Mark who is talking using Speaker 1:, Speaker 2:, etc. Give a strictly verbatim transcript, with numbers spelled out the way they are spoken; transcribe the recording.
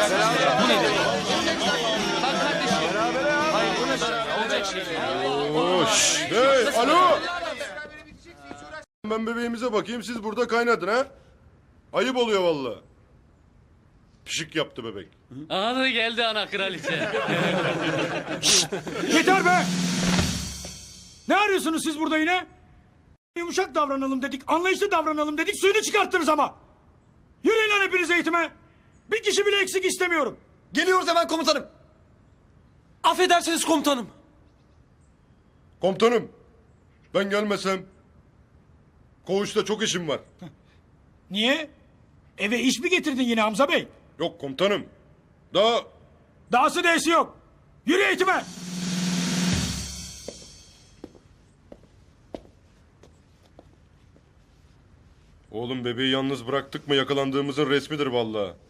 Speaker 1: Bu nedir? Kalk kardeşim. Hayır bu ne? Olacak şey değil.
Speaker 2: Hoş. Hey, alo. Ben bebeğimize bakayım, siz burada kaynadın ha? Ayıp oluyor vallahi. Pişik yaptı bebek.
Speaker 1: Aha da geldi ana kraliçe.
Speaker 3: Yeter be! Ne arıyorsunuz siz burada yine? Yumuşak davranalım dedik, anlayışlı davranalım dedik, suyunu çıkarttınız ama. Yürüyün lan hepiniz eğitime. Bir kişi bile eksik istemiyorum.
Speaker 4: Geliyoruz hemen komutanım. Affedersiniz komutanım.
Speaker 2: Komutanım, ben gelmesem koğuşta çok işim var.
Speaker 3: Niye? Eve iş mi getirdin yine Hamza Bey?
Speaker 2: Yok komutanım. Daha
Speaker 3: Dahası değesi yok. Yürü eğitime.
Speaker 2: oğlum bebeği yalnız bıraktık mı yakalandığımızın resmidir vallahi.